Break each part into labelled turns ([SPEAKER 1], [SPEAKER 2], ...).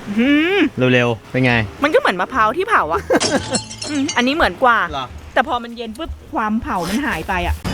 [SPEAKER 1] เร็วๆเป็นไง
[SPEAKER 2] มันก็เหมือนมะพร้าวที่เผาอ่ะ อันนี้เหมือนกว่าแต่พอมันเย็นปุ๊บความเผามันหายไปอ่ะ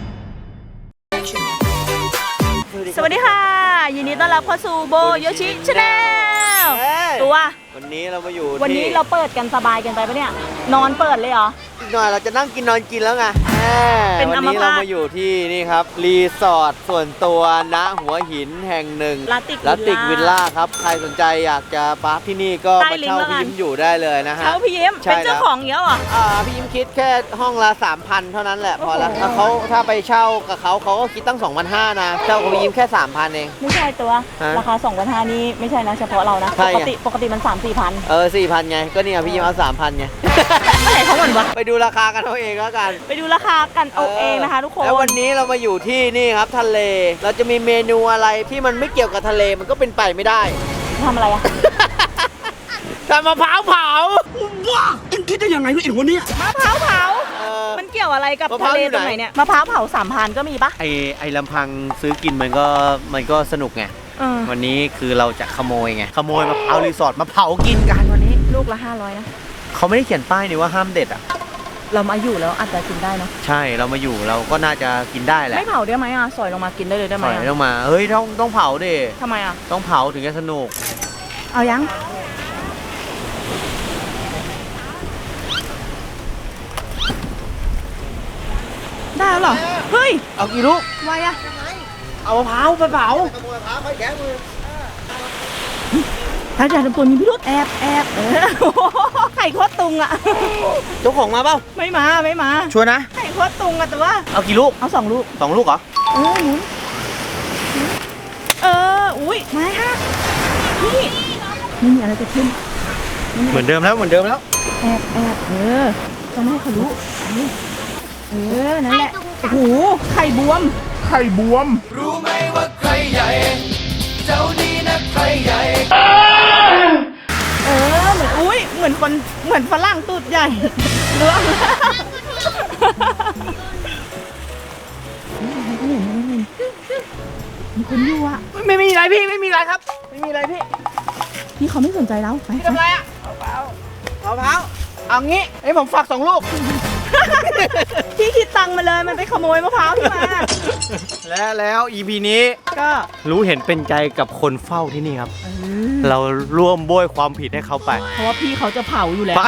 [SPEAKER 2] สวัสดีค่ะยินดีต้อนรับเข้าสู่โบโยชิชาแนลตัว
[SPEAKER 1] วันนี้เรามาอยู่
[SPEAKER 2] วันนี้เราเปิดกันสบายกันไปปะเนี่ยนอนเปิดเลยเหรอ
[SPEAKER 1] อีกหน่อยเราจะนั่งกินนอนกินแล้วไง
[SPEAKER 2] เป็น
[SPEAKER 1] วันนี้เรามาอยู่ที่นี่ครับรีสอร์ทส่วนตัวณหัวหินแห่งหนึ่ง
[SPEAKER 2] ลาติก
[SPEAKER 1] วิลล่าครับใครสนใจอยากจะพักที่นี่ก็มาเช่าพี่ยิ้มอยู่ได้เลยนะฮะ
[SPEAKER 2] เช่าพี่ยิ้มเป็นเจ้าของเยอะเหรอ
[SPEAKER 1] พี่ยิ้มคิดแค่ห้องละ 3,000 เท่านั้นแหละพอแล้วถ้าไปเช่ากับเขาก็คิดตั้ง 2,500 นะเช่ากับพี่ยิ้มแค่ 3,000 เอง
[SPEAKER 2] ไม่ใช่ตัวราคา 2,500 นี่ไม่ใช่นะเฉพาะเรานะปกติมัน 3-4,000
[SPEAKER 1] 4,000 ไงก็เนี่ยพี่ยิ้มเอา 3,000 ไง
[SPEAKER 2] ไหนเขาเหมือนวะ
[SPEAKER 1] ไปดูราคากันเอาเองแล้วกัน
[SPEAKER 2] ไปดูราคากันเอาเองนะคะทุกคน
[SPEAKER 1] แล้ววันนี้เรามาอยู่ที่นี่ครับทะเลเราจะมีเมนูอะไรที่มันไม่เกี่ยวกับทะเลมันก็เป็นไปไม่ได้
[SPEAKER 2] ทำอะไรอะ
[SPEAKER 1] ทำมะพร้าวเผา
[SPEAKER 3] ว้าคุณคิดได้ยังไงวะไอ้หัวเนี้ย
[SPEAKER 2] มะพร้าวเผามันเกี่ยวอะไรกับทะเลตรงไหนเนี่ยมะพร้าวเผา3,000ก็มีปะ
[SPEAKER 1] ไอ้ลำพังซื้อกินมันก็สนุกไงวันนี้คือเราจะขโมยไงขโมยมะพร้าวรีสอร์ทมาเผากินกันวันนี้
[SPEAKER 2] ลูกละ500นะ
[SPEAKER 1] เขาไม่ได้เขียนป้ายนี่ว่าห้ามเด็ดอ่ะ
[SPEAKER 2] เรามาอยู่แล้วอาจจะกินได้เนาะ
[SPEAKER 1] ใช่เรามาอยู่เราก็น่าจะกินได้แหละ
[SPEAKER 2] ไม่เผาได้ไหมสอยลงมากินได้เลยได้ไหม
[SPEAKER 1] สอยลงมาเฮ้ยต้องเผาดิ
[SPEAKER 2] ทำไม
[SPEAKER 1] ต้องเผาถึงจะสนุก
[SPEAKER 2] เอายังได้แล้วเหรอเฮ้ย
[SPEAKER 1] เอากี่ลูก
[SPEAKER 2] ไวอะ
[SPEAKER 1] เอามะพร้าวไปเผา
[SPEAKER 3] ขโมยมะพร้าวไปแก้มือ
[SPEAKER 2] ถ้าจะทำตัวมีพิรุธแอบไข่โคตรตุงอะ
[SPEAKER 1] เจ้าของมาเปล่า
[SPEAKER 2] ไม่มา
[SPEAKER 1] ชัวร์นะ
[SPEAKER 2] ไข่โคตรตุงอะแต่ว่า
[SPEAKER 1] เอากี่ลูก
[SPEAKER 2] เอา2 ลูก
[SPEAKER 1] 2 ลูกเหรอ
[SPEAKER 2] หมุนอุ้ยมาฮะนี่ไม่มีอะไรจะขึ้น
[SPEAKER 1] เหมือนเดิมแล้ว
[SPEAKER 2] แอบต้องให้เขารู้นั่นแหละโอ้โหไข่บวม
[SPEAKER 3] รู้ไหมว่าใครใหญ่เจ้านี่นะใครใหญ่
[SPEAKER 2] เหมือนฝรั่งตูดใหญ่ล้วงมีคนอยู่อ่ะ
[SPEAKER 1] ไม่มีอะไรพี่ไม่มีอะไรครับไม่มีอะไร
[SPEAKER 2] พี่เขาไม่สนใจเราไป
[SPEAKER 1] ทำอะไรอ่ะมะพร้าวเอางี้ไอ้ผมฝาก2 ลูก
[SPEAKER 2] พี่คิดตังค์มาเลยมันไปขโมยมะพร้าวที่มา
[SPEAKER 1] แล้ว EP นี้
[SPEAKER 2] ก็
[SPEAKER 1] รู้เห็นเป็นใจกับคนเฝ้าที่นี่ครับเราร่วมโบยความผิดให้เขาไป
[SPEAKER 2] เพราะว่าพี่เขาจะเผาอยู่แล้ว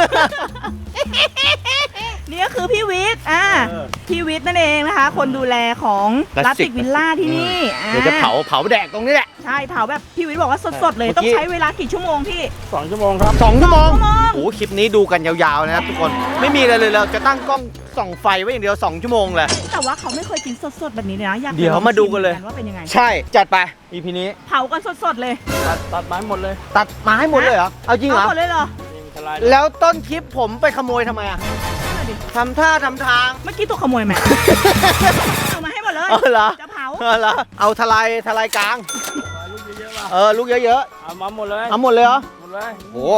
[SPEAKER 2] นี่ก็คือพี่วิทย์พี่วิทย์นั่นเองนะคะคนดูแลของลาติกวิลล่าที่นี่
[SPEAKER 1] เดี๋ยวจะเผาแดกตรงนี้แหละ
[SPEAKER 2] ใช่เผาแบบพี่วิทย์บอกว่าสดๆเลยต้องใช้เวลากี่ชั่วโมงพี่
[SPEAKER 3] 2 ชั่วโมงครับ
[SPEAKER 1] 2 ชั่วโมงโอ้คลิปนี้ดูกันยาวๆนะครับทุกคนไม่มีอะไรเลยเราจะตั้งกล้องส่องไฟไว้อย่างเดียว2 ชั่วโมงเลย
[SPEAKER 2] แต่ว่าเขาไม่เคยกินสดๆแบบนี้เลยนะอยาก
[SPEAKER 1] เดี๋ยวมาดูกันเลย
[SPEAKER 2] ว่าเป็นยังไง
[SPEAKER 1] ใช่จัดไป EP นี้
[SPEAKER 2] เผากันสดๆเลย
[SPEAKER 3] ตัดไม้หมดเลย
[SPEAKER 1] ตัดไม้หมดเลยเหรอเอาจริงเหรอ
[SPEAKER 2] หมดเลยเหรอ
[SPEAKER 1] แล้วต้นคลิปผมไปขโมยทำไมทำท่าทำทาง
[SPEAKER 2] เมื่อกี้ตัวขโมยไหมเอามาให้หมดเลยจะเผา
[SPEAKER 1] เอาทลายกลาง
[SPEAKER 3] ลูกเยอะๆ
[SPEAKER 1] ลูกเยอะ
[SPEAKER 3] ๆเอามาหมดเลย
[SPEAKER 1] เอาหมดเลยเหรอ
[SPEAKER 3] หมดเลย
[SPEAKER 1] โอ้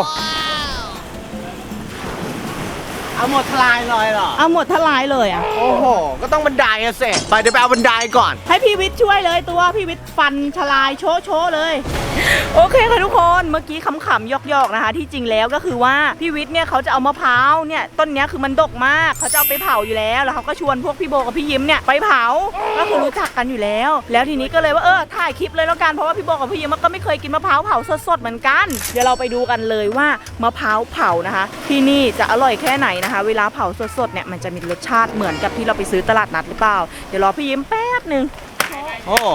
[SPEAKER 1] เอาหมดทลายเลยเหรอ
[SPEAKER 2] เอาหมดทลายเลย
[SPEAKER 1] โอ้โหก็ต้องบันไดเสร็จไปเดี๋ยวไปเอาบันไดก่อน
[SPEAKER 2] ให้พี่วิทย์ช่วยเลยตัวพี่วิทย์ฟันทลายโชว์เลยโอเคค่ะทุกคนเมื่อกี้ขำๆยอกๆนะคะที่จริงแล้วก็คือว่าพี่วิทย์เนี่ยเขาจะเอามะพร้าวเนี่ยต้นนี้คือมันดกมากเขาจะเอาไปเผาอยู่แล้วเขาก็ชวนพวกพี่โบกับพี่ยิ้มเนี่ยไปเผาก็คือรู้จักกันอยู่แล้วทีนี้ก็เลยว่าถ่ายคลิปเลยแล้วกันเพราะว่าพี่โบกับพี่ยิ้มก็ไม่เคยกินมะพร้าวเผาสดๆเหมือนกันเดี๋ยวเราไปดูกันเลยว่ามะพร้าวเผานะคะที่นี่จะอร่อยแค่ไหนนะคะเวลาเผาสดๆเนี่ยมันจะมีรสชาติเหมือนกับที่เราไปซื้อตลาดนัดหรือเปล่าเดี๋ยวรอพี่ยิ้มแป๊บนึง
[SPEAKER 1] โอ้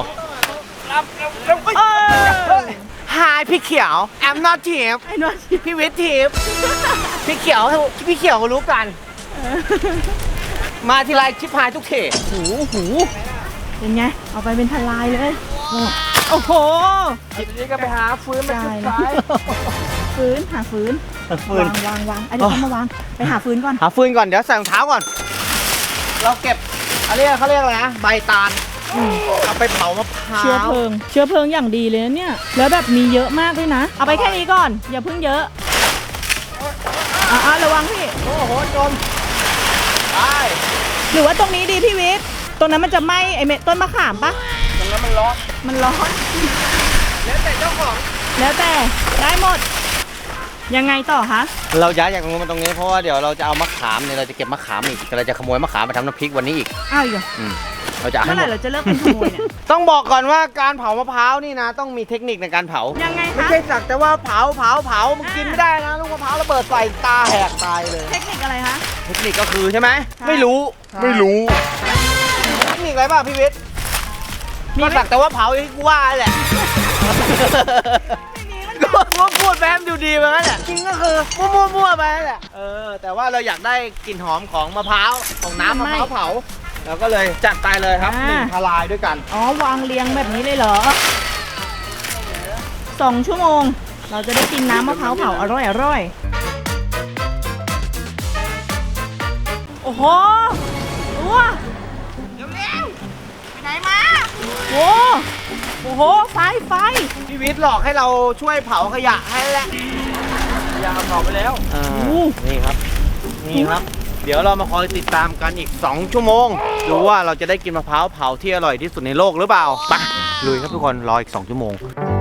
[SPEAKER 1] Hi พี่เขียว I'm not Tip พี่วิทย์ Tip พี่เขียวรู้กันมาทีไรชิบหายทุกเท
[SPEAKER 2] หูเป็นไงเอาไปเป็นทลายเลยโอ้โห
[SPEAKER 3] ทีนี้ก็ไปหาฟืนมาจุดไฟ
[SPEAKER 2] หาฟืนวางเดี๋ยวเขามาวางไปหาฟืนก่อน
[SPEAKER 1] เดี๋ยวใส่รองเท้าก่อนเราเก็บเขาเรียกอะไรนะใบตาลเอาไปเผามะพร้าว
[SPEAKER 2] เชื้อเพลิงอย่างดีเลยนะเนี่ยแล้วแบบมีเยอะมากด้วยนะเอาไปแค่นี้ก่อนอย่าเพิ่งเยอะระวังพี่
[SPEAKER 1] โอ้โหจมไป
[SPEAKER 2] หรือว่าตรงนี้ดีพี่วิทย์ตรงนั้นมันจะไหม้ไอ้ต้นมะขามปะ
[SPEAKER 3] ตรงนั้นมันร้อน
[SPEAKER 1] แล้วแต่เจ้าของ
[SPEAKER 2] แล้วแต่ได้หมด ยังไงต่อคะ
[SPEAKER 1] เราย้ายจากตรงนู้นมาตรงนี้เพราะว่าเดี๋ยวเราจะเอามะขามเนี่ยเราจะเก็บมะขามอีกเราจะขโมยมะขามมาทำน้ำพริกวันนี้อีก
[SPEAKER 2] อ้าวอีกเหรอ
[SPEAKER 1] เราจะเอา
[SPEAKER 2] เมื่
[SPEAKER 1] ให้
[SPEAKER 2] อ
[SPEAKER 1] ห
[SPEAKER 2] ไห
[SPEAKER 1] ม
[SPEAKER 2] ร่
[SPEAKER 1] ด
[SPEAKER 2] เราจะเลิกเป็นขโมยเนี่ย
[SPEAKER 1] ต้องบอกก่อนว่าการเผามะพร้าวนี่นะต้องมีเทคนิคในการเผา
[SPEAKER 2] ยังไง
[SPEAKER 1] ไม่
[SPEAKER 2] คะ
[SPEAKER 1] ใช่สักแต่ว่าเผามันกินไม่ได้นะลูกมะพร้าวระเบิดใส่ตาแหกตายเลย
[SPEAKER 2] เทคนิคอะไรคะ
[SPEAKER 1] เทคนิคก็คือใช่ไหม
[SPEAKER 2] ใช่
[SPEAKER 1] ไม่รู้เทคนิคอะไรบ้างพี่วิทย์
[SPEAKER 2] มี
[SPEAKER 1] ก็
[SPEAKER 2] ไหม
[SPEAKER 1] สักแต่ว่าเผาอย่างที่กูว่าแหละ ก็พูดแป๊บดูดีไปนั่นแหละจริงก็คือมั่วไปนั่นแหละแต่ว่าเราอยากได้กลิ่นหอมของมะพร้าวของน้ำมะพร้าวเผาเราก็เลยจัดไปเลยครับหนึ่งทลายด้วยกัน
[SPEAKER 2] อ๋อวางเรียงแบบนี้เลยเหรอ2 ชั่วโมง เราจะได้กินน้ำมะพร้าวเผาอร่อยโอ้โหตัวเร็วๆไปไหนมาโอ้โหไฟ
[SPEAKER 1] พี่วิทย์หลอกให้เราช่วยเผาขยะให้แหละขยะเผาไปแล้วนี่ครับเดี๋ยวเรามาคอยติดตามกันอีก2 ชั่วโมงดูว่าเราจะได้กินมะพร้าวเผาที่อร่อยที่สุดในโลกหรือเปล่าไปลุยครับทุกคนรออีก2 ชั่วโมง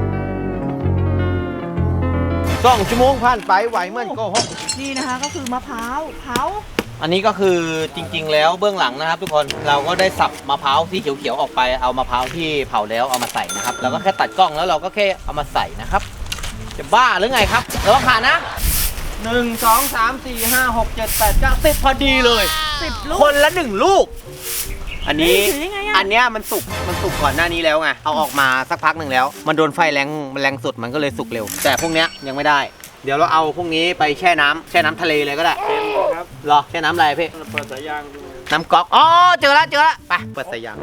[SPEAKER 1] 2 ชั่วโมงผ่านไปไหวเหมือนโกหก
[SPEAKER 2] นี่นะคะก็คือมะพร้าวเผา
[SPEAKER 1] อันนี้ก็คือจริงๆแล้วเบื้องหลังนะครับทุกคนเราก็ได้สับมะพร้าวที่เขียวๆออกไปเอามะพร้าวที่เผาแล้วเอามาใส่นะครับเราก็แค่ตัดกล้องแล้วเราก็แค่เอามาใส่นะครับจะบ้าหรือไงครับแล้วก็ขาดนะ1 2 3 4 5 6 7 8 9 10พอดีเลย
[SPEAKER 2] 10 ลูก
[SPEAKER 1] คนละ1 ลูก อันนี้
[SPEAKER 2] ถือยังไงอะ
[SPEAKER 1] อันเนี้ยมันสุกก่อนหน้านี้แล้วไงเอาออกมาสักพักหนึ่งแล้ว มันโดนไฟแรงสุดมันก็เลยสุกเร็ว แต่พวกเนี้ยยังไม่ได้เดี๋ยวเราเอาพวกนี้ไปแช่น้ำทะเลเลยก็ได้ครับรอแช่น้ำอะไรพี่เปิดสายยางน้ำก๊อกอ๋อเจอแล้วไปเปิดสายยาง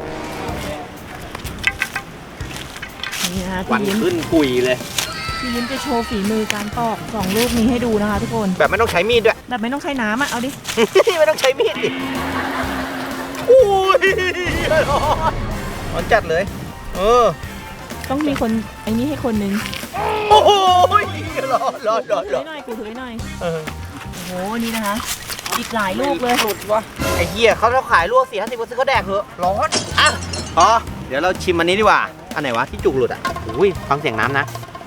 [SPEAKER 2] นี่นะคะ
[SPEAKER 1] วัน
[SPEAKER 2] พี่ยิ้ม
[SPEAKER 1] ขึ้นกุยเลย
[SPEAKER 2] พี่ยิ้มจะโชว์ฝีมือการปอก2 ลูกนี้ให้ดูนะคะทุกคน
[SPEAKER 1] แบบไม่ต้องใช้มีดด้วย
[SPEAKER 2] แบบไม่ต้องใช้น้ำอ่ะเอาดิ
[SPEAKER 1] ไม่ต้องใช้มีดดิอุ้ยร้อนจัดเลย
[SPEAKER 2] ต้องมีคนไอ้นี่ให้คนนึง
[SPEAKER 1] โอ้โหร้อน
[SPEAKER 2] ถือให้หน่อยกูถือให้หน่อยโอ้โหนี่นะคะอีกหลายลูกเลย
[SPEAKER 1] หลุดวะไอ้เหี้ยเขาขายลวก4-50ซื้อเขาแดกเหอะร้อนอ่ะอ๋อเดี๋ยวเราชิมอันนี้ดีกว่าอันไหนวะที่จุกหลุดอ่ะอุ้ยฟังเสียงน้ำนะ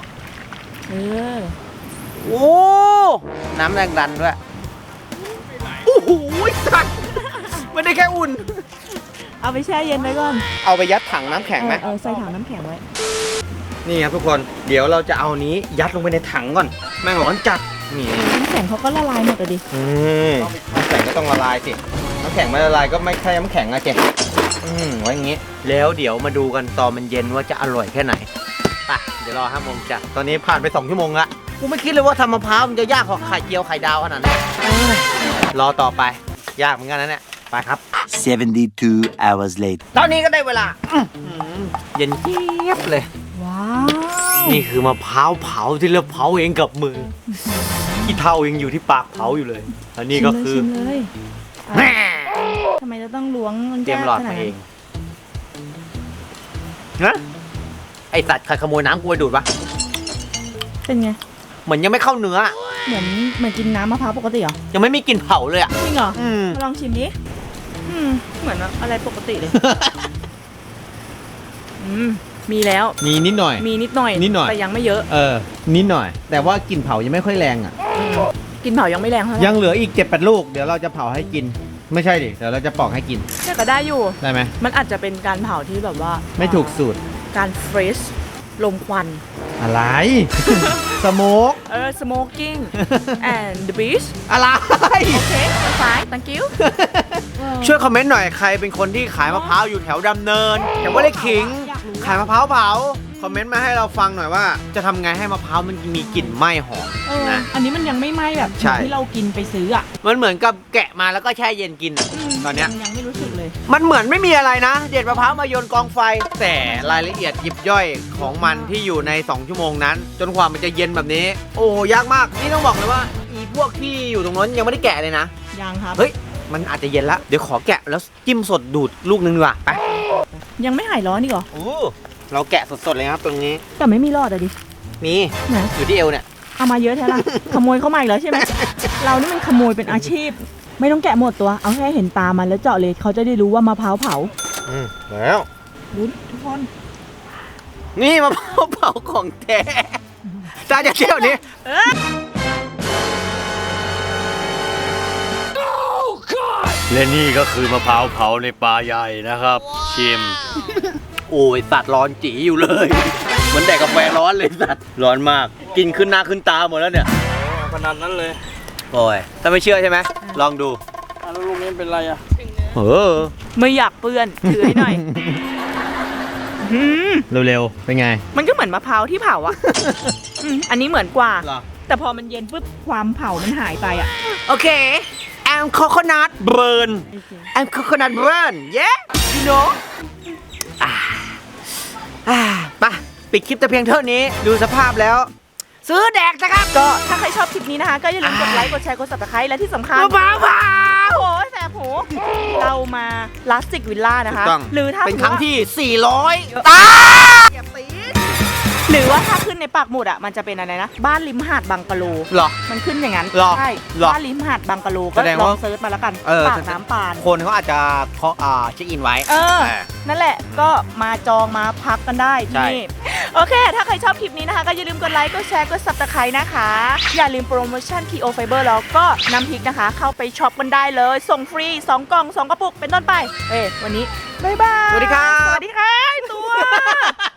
[SPEAKER 1] โอ้น้ำแรงดันด้วยโอ้โหสัตว์ไม่ได้แค่อุ่น
[SPEAKER 2] เอาไปแช่เย็นไว้ก่อน
[SPEAKER 1] เอาไปยัดถังน้ำแข็งไหม
[SPEAKER 2] ใส่ถังน้ำแข็งไว้
[SPEAKER 1] นี่ครับทุกคนเดี๋ยวเราจะเอานี้ยัดลงไปในถังก่อนแม่งร้อนจัดนี่
[SPEAKER 2] น้ำแข็งเขาก็ละลายหมดเลยดิ
[SPEAKER 1] น้ำแข็งก็ต้องละลายสิน้ำแข็งไม่ละลายก็ไม่ใช่น้ำแข็งอะเจ๊ไว้อย่างงี้แล้วเดี๋ยวมาดูกันตอนมันเย็นว่าจะอร่อยแค่ไหนไปเดี๋ยวรอ5 โมงจ้ะตอนนี้ผ่านไป2 ชั่วโมงละกูไม่คิดเลยว่าทำมะพร้าวมันจะยากกว่าไข่เจียวไข่ดาวขนาดนั้นรอต่อไปยากเหมือนกันนะเนี่ยไปครับ
[SPEAKER 4] 72 hours later.
[SPEAKER 1] ตอนนี้ก็ได้เวลาเย็นเจี๊ยบเลย
[SPEAKER 2] ว้าว
[SPEAKER 1] นี่คือมะพร้าวเผาที่เราเผาเองกับมือขี้เท่ายังอยู่ที่ปากเผาอยู่เลยอันนี้ก็คือ
[SPEAKER 2] ชิมเลย
[SPEAKER 1] แม่
[SPEAKER 2] ทำไมจะต้องล้วงมัน
[SPEAKER 1] เตรียมหลอดมาเองนะไอสัตว์ใครขโมยน้ำกูไปดูดวะ
[SPEAKER 2] เป็นไง
[SPEAKER 1] เหมือนยังไม่เข้าเนื้อ
[SPEAKER 2] เหมือนกินน้ำมะพร้าวปกติเหรอ
[SPEAKER 1] ยังไม่มีกลิ่นเผาเลยอ่ะ
[SPEAKER 2] จริงเหรอ
[SPEAKER 1] อืม
[SPEAKER 2] มาลองชิมดิเหมือนอะไรปกติเลยมีแล้ว
[SPEAKER 5] มีนิดหน่อย
[SPEAKER 2] มีนิดหน่อย
[SPEAKER 5] นิดหน่อย
[SPEAKER 2] แต่ยังไม่เยอะ
[SPEAKER 5] นิดหน่อย แต่ว่ากลิ่นเผายังไม่ค่อยแรงอ่ะ
[SPEAKER 2] กินเผายังไม่แรงเท่าไหร่
[SPEAKER 5] ยังเหลืออีก 7-8 ลูก เดี๋ยวเราจะเผาให้กิน ไม่ใช่ดิ เดี๋ยวเราจะปอกให้กิน
[SPEAKER 2] แต่ก็ได้อยู่
[SPEAKER 5] ได้ไหม
[SPEAKER 2] มันอาจจะเป็นการเผาที่แบบว่า
[SPEAKER 5] ไม่ถูกสูตร
[SPEAKER 2] การเฟรชลมควัน
[SPEAKER 5] อะไร สโมก
[SPEAKER 2] smoking and the beach
[SPEAKER 1] อะไร
[SPEAKER 2] โอเค fine thank you
[SPEAKER 1] ช่วยคอมเมนต์หน่อยใครเป็นคนที่ขายมะพร้าวอยู่แถวดำเนินแถวว่าได้ขิง
[SPEAKER 2] อยากรู้
[SPEAKER 1] ขายมะพร้าวเผาคอมเมนต์มาให้เราฟังหน่อยว่า จะทำไงให้มะพร้าวมันมีกลิ่นไหม้หอมนะ
[SPEAKER 2] อันนี้มันยังไม่ไหม้แบบ
[SPEAKER 1] ใช่
[SPEAKER 2] ที่เรากินไปซื้ออ่ะ
[SPEAKER 1] มันเหมือนกับแกะมาแล้วก็แช่เย็นกินอะตอนเนี้ย
[SPEAKER 2] ยังไม่รู้สึกเลย
[SPEAKER 1] มันเหมือนไม่มีอะไรนะ เด็ดมะพร้าวมาโยนกองไฟ แต่รายละเอียดยิบย่อยของมันที่อยู่ใน2 ชั่วโมงนั้น จนกว่ามันจะเย็นแบบนี้ โอ้ยากมากนี่ต้องบอกเลยว่าอีพวกที่อยู่ตรงนั้นยังไม่ได้แกะเลยนะ
[SPEAKER 2] ยังครับ
[SPEAKER 1] เฮ้ยมันอาจจะเย็นละเดี๋ยวขอแกะแล้วจิ้มสดดูดลูกนึงดีกว่าไป
[SPEAKER 2] ยังไม่หายร้อนอีกเหรอ
[SPEAKER 1] โอ้เราแกะสดๆเลยครับตรงนี้
[SPEAKER 2] แต่ไม่มีรอดอะดิ
[SPEAKER 1] มี
[SPEAKER 2] ไหน
[SPEAKER 1] อยู่ที่เอวเนี่ย
[SPEAKER 2] เอามาเยอะแท้ละ ขโมยเข้ามาอีกแล้วใช่ไหม เรานี่มันขโมยเป็นอาชีพ ไม่ต้องแกะหมดตัว เอาแค่เห็นตามันแล้วเจาะเลยเขาจะได้รู้ว่ามะพร้าวเผา
[SPEAKER 1] แล้ว
[SPEAKER 2] ลุ้นทุกคน
[SPEAKER 1] นี่มะพร้าวเผาของแท้ตาจะเที่ยวนี้ และนี่ก็คือมะพร้าวเผาในปลาใหญ่นะครับ ชิม โอ้ยสัตว์ร้อนจีอยู่เลย เหมือนแดกกาแฟร้อนเลยสัตว์ร้อนมาก กินขึ้นหน้าขึ้นตาหมดแล้วเนี่ย
[SPEAKER 5] ขนาดนั้นเลย
[SPEAKER 1] โอ้ยถ้าไม่เชื่อใช่ไหมลองดู
[SPEAKER 5] แล้วลูกนี้เป็นไรอ่ะ
[SPEAKER 2] ไม่อยากเปื้อนถือให้หน่อยอืม
[SPEAKER 5] เร็วๆ เป็นไง
[SPEAKER 2] มันก็เหมือนมะพร้าวที่เผาอะอันนี้เหมือนกว่า
[SPEAKER 1] เหรอ
[SPEAKER 2] แต่พอมันเย็นปุ๊บความเผามันหายไปอะ
[SPEAKER 1] โอเค I'm coconut burn I'm coconut burn yeah you know ไปปิดคลิปแต่เพียงเท่านี้ ดูสภาพแล้ว ซื้อแดกนะครับ
[SPEAKER 2] ก็ถ้าใครชอบคลิปนี้นะคะ ก็อย่าลืมกดไลค์ กดแชร์ กด subscribe และที่สำคัญ
[SPEAKER 1] บ้าบ้า
[SPEAKER 2] โอ้โหแสบหูเรามาลาสติกวิลล่านะคะ
[SPEAKER 1] ถูกต้อง
[SPEAKER 2] หรือถ้า
[SPEAKER 1] เป็นครั้งที่ 400
[SPEAKER 2] หรือว่าถ้าขึ้นในปากหมุดอ่ะมันจะเป็นอะไรนะ บ้านริมหาดบางกะโล
[SPEAKER 1] หรอ
[SPEAKER 2] มันขึ้นอย่างนั้น
[SPEAKER 1] หรอ
[SPEAKER 2] ใช่
[SPEAKER 1] หรอ
[SPEAKER 2] บ้านริมหาดบางกะโลก็
[SPEAKER 1] แสดง
[SPEAKER 2] ล
[SPEAKER 1] ว่า
[SPEAKER 2] องเซิร์ชมาแล้วกัน
[SPEAKER 1] เออ
[SPEAKER 2] ปากน้ำปาน
[SPEAKER 1] คนเขาอาจจะเช็คอินไว้
[SPEAKER 2] เออ นั่นแหละก็มาจองมาพักกันได้
[SPEAKER 1] ใช่
[SPEAKER 2] ที่นี่โอเค ถ้าใครชอบคลิปนี้นะคะ ก็อย่าลืมกดไลค์ กดแชร์ กด subscribe นะคะ อย่าลืมโปรโมชั่น KO Fiber แล้วก็น้ำพริกนะคะ เข้าไปช็อปกันได้เลย ส่งฟรี 2 กล่อง 2 กระปุกเป็นต้นไป วันนี้ บ๊ายบาย
[SPEAKER 1] สวัสดีครับ
[SPEAKER 2] สวัสดีค่ะตัว